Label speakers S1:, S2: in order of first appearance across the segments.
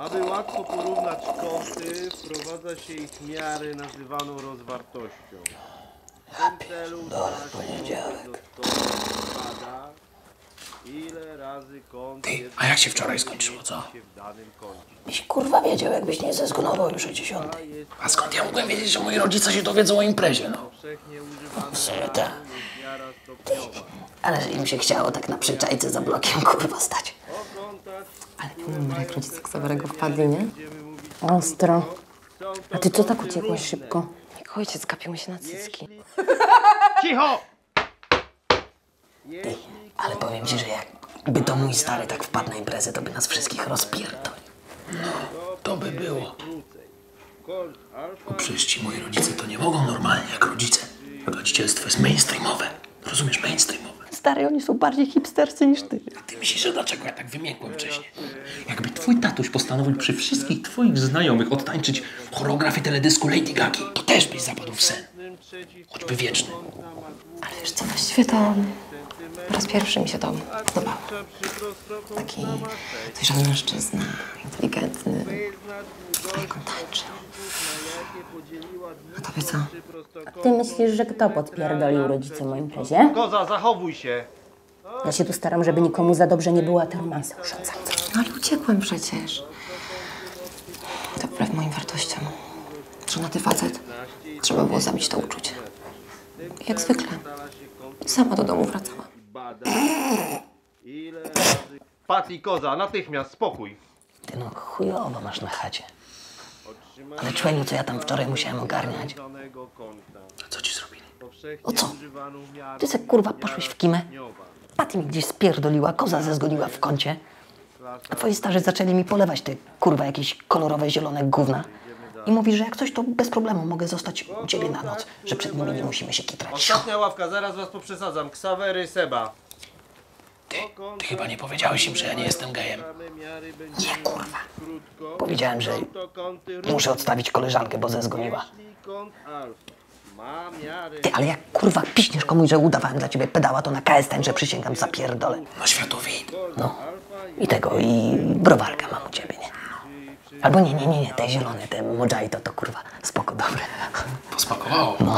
S1: Aby łatwo porównać kąty, wprowadza się ich miary nazywaną rozwartością. W tym celu bada, ile razy kąt jest...
S2: A jak się wczoraj skończyło, co?
S3: Byś kurwa wiedział, jakbyś nie zezgonował już o 10.
S2: A skąd ja mogłem wiedzieć, że moi rodzice się dowiedzą o imprezie, no?
S3: W sumie tak. Ale że im się chciało tak na przyczajce za blokiem kurwa stać.
S4: Ale numer jak rodzice Ksawerego wpadli, nie? Ostro. A ty co tak uciekłaś szybko? Jak ojciec gapił mi się na cycki.
S1: Cicho!
S3: Ty, ale powiem ci, że jakby to mój stary tak wpadł na imprezę, to by nas wszystkich rozpierdolił.
S2: To by było. Bo przecież ci moi rodzice to nie mogą normalnie jak rodzice. Rodzicielstwo jest mainstreamowe. Rozumiesz? Mainstreamowe.
S3: Stary, oni są bardziej hipsterscy niż ty.
S2: A ty myślisz, że dlaczego ja tak wymiękłem wcześniej? Jakby twój tatuś postanowił przy wszystkich twoich znajomych odtańczyć choreografię teledysku Lady Gagi, to też byś zapadł w sen. Choćby wieczny.
S4: Ale wiesz co, właściwie to po raz pierwszy mi się to podobało. Taki dojrzały mężczyzna, inteligentny, a jak on tańczy. A tobie co?
S5: Ty myślisz, że kto podpierdolił rodzicom o imprezie?
S1: Koza, zachowuj się!
S5: Ja się tu staram, żeby nikomu za dobrze nie było, a te romanse urządzam.
S4: No ale uciekłem przecież. To wbrew moim wartościom. Żonaty facet. Trzeba było zabić to uczucie. I jak zwykle. Sama do domu wracała.
S1: Pat i Koza, natychmiast, spokój!
S3: Ty no chujowo masz na chacie. Ale człeniu, co ja tam wczoraj musiałem ogarniać.
S2: A co ci zrobili?
S3: O co? Ty se kurwa poszłeś w kimę? Paty mi gdzieś spierdoliła, Koza zezgoniła w kącie. A twoi starzy zaczęli mi polewać te kurwa jakieś kolorowe, zielone gówna. I mówi, że jak coś, to bez problemu mogę zostać u ciebie na noc, że przed nimi nie musimy się kitrać.
S1: Ostatnia ławka, zaraz was poprzesadzam. Ksawery, Seba.
S2: Ty chyba nie powiedziałeś im, że ja nie jestem gejem.
S3: Nie kurwa. Powiedziałem, że muszę odstawić koleżankę, bo zezgoniła. Ty, ale jak kurwa piśniesz komuś, że udawałem dla ciebie pedała, to na KS tańczę, przysięgam, zapierdolę.
S2: No światowid.
S3: No. I tego, i browarka mam u ciebie, nie? Albo nie, te zielone, te mojito to kurwa spoko, dobre.
S2: Posmakowało.
S3: No.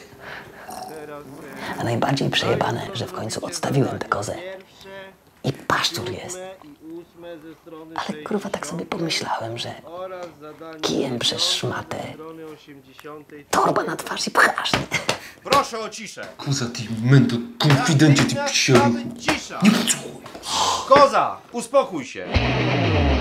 S3: A najbardziej przejebane, że w końcu odstawiłem tę kozę. I paszczur jest. Ale kurwa tak sobie pomyślałem, że kijem przez szmatę, torba na twarz i pchasz.
S1: Proszę o ciszę!
S2: Koza, ty mento, konfidencie, ty psioru.
S1: Cisza!
S2: Nie podsłuchuj.
S1: Koza, uspokój się!